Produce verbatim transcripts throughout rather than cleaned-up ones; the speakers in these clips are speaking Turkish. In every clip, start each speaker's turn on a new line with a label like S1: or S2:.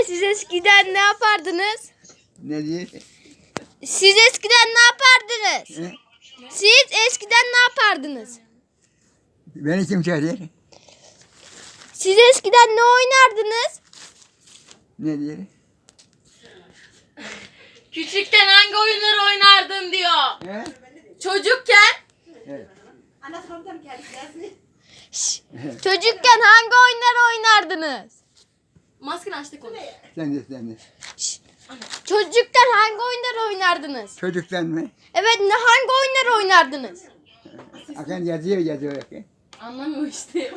S1: siz eskiden ne yapardınız?
S2: Ne diyor?
S1: Siz eskiden ne yapardınız?
S2: He?
S1: Siz eskiden ne yapardınız?
S2: Beni kim çağırıyor?
S1: Siz eskiden ne oynardınız?
S2: Ne diyor?
S3: Küçükken hangi oyunları oynardın diyor.
S2: He?
S3: Çocukken
S2: Evet.
S1: Şş, çocukken hangi oyunlar oynardınız?
S3: maskeni açtık onu.
S2: Sen de sen de.
S1: Şş, çocukken hangi oyunlar oynardınız?
S2: Çocuktan mı?
S1: Evet, ne hangi oyunlar oynardınız?
S2: Akan yazıyor yazıyor. Akan.
S3: Anlamıyor işte.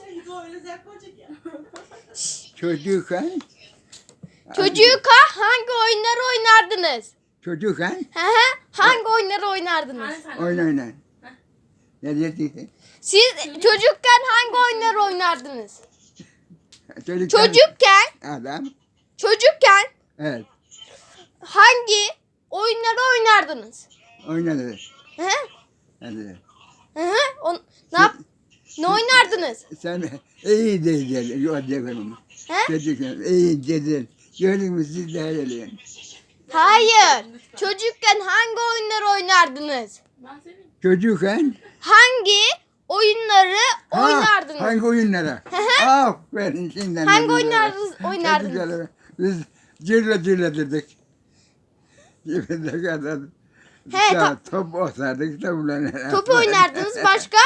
S2: Çocukken.
S1: Çocukken hangi oyunlar oynardınız?
S2: Çocukken.
S1: Hı hı, hangi oyunları oynardınız?
S2: Oyun oynan. Ne diyor?
S1: Siz çocukken hangi oyunları oynardınız?
S2: Çocukken.
S1: Çocukken,
S2: Adam.
S1: çocukken
S2: Evet.
S1: hangi oyunları oynardınız?
S2: Oynadı.
S1: Hı hı,
S2: Hadi.
S1: hı hı, on, ne yap, ne oynardınız?
S2: Sen iyi dedin. Yok dedim.
S1: He?
S2: Çocukken iyi dedin. Gördün mü siz de öyle.
S1: Hayır. Çocukken hangi oyunları oynardınız?
S3: Ben seveyim.
S2: Çocukken.
S1: Hangi oyunları
S2: Ha,
S1: oynardınız?
S2: hangi oyunlara? Aferin şimdiden.
S1: Hangi
S2: de
S1: oyunlar
S2: güzel. Çok
S1: oynardınız?
S2: güzel. Biz cırla cırla dedik. Cibinde kadar.
S1: He,
S2: Ta-
S1: to-
S2: top atardık topla.
S1: Top oynardınız, başka?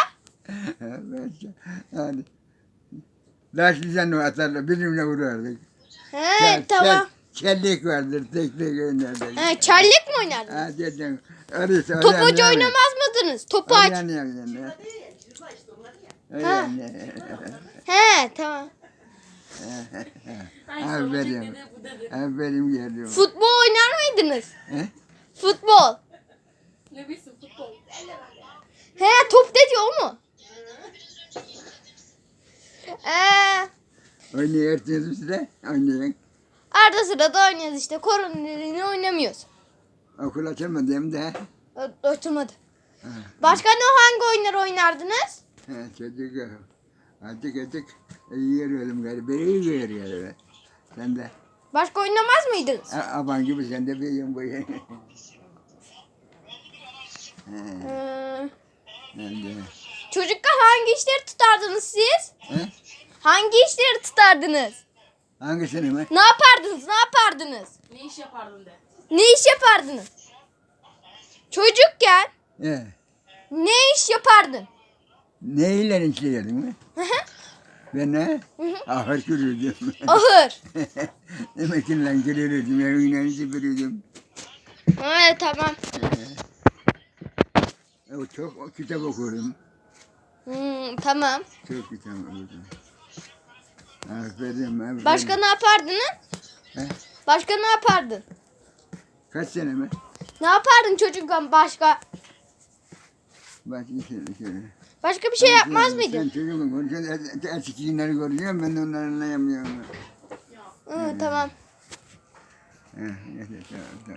S2: Yani. Daşlıcan atarlar. Birbirine vurardık.
S1: He,
S2: Kel-
S1: tamam.
S2: kel- Kellik vardır. Tek tek oynardık.
S1: He, çarlık mı oynardınız?
S2: Ha dedim. Arısı,
S1: Topucu oynamaz mıydınız? Topaç. Ha. He, tamam.
S3: Ay,
S2: Aferin.
S3: soracak dedi, bu dedi.
S2: Aferin geldim.
S1: Futbol oynar mıydınız?
S2: He?
S1: Futbol.
S3: Ne bilsin futbol.
S1: He, top dedi o mu? Ee,
S2: Oynuyorsunuz size. Oynayın.
S1: arada sırada oynuyoruz işte. Korona nedeniyle oynamıyoruz.
S2: Okul açamadım da.
S1: Ö- Oturmadı. Başka ne hangi oyunlar oynardınız?
S2: Ha, çocuk azıcık azıcık iyi görüyorum galiba. İyi görüyorum. Sen de.
S1: Başka oynamaz mıydınız?
S2: A- Aban gibi sen de büyüyorsun bu.
S1: Ee,
S2: Ben de.
S1: çocukken hangi işleri tutardınız siz?
S2: He?
S1: Hangi işleri tutardınız?
S2: Hangisini mi?
S1: Ne yapardınız? Ne yapardınız?
S3: Ne iş yapardın de.
S1: Ne iş yapardınız? Çocukken
S2: He.
S1: ne iş yapardın?
S2: Neyle işliyordun mi?
S1: Hı hı.
S2: Ben ne? Ahır kürürdüm.
S1: Ahır.
S2: Emekliyle kürürdüm. Evine süpürürdüm.
S1: Evet, tamam.
S2: O çok o kitap okurdum.
S1: Hmm, tamam.
S2: Çok kitap okurdum. Aferin, aferin.
S1: Başka ne yapardınız?
S2: He?
S1: Başka ne yapardın?
S2: Kaç sene mi?
S1: Ne yapardın çocukken başka?
S2: Bak şöyle şöyle.
S1: Başka bir şey yapmaz
S2: Sen
S1: mıydın?
S2: çocuğumu konuşuyorsun, eski günleri konuşuyorum, ben de onları anlayamıyorum.
S1: Hı, tamam.
S2: Heh, neyse, tamam, tamam.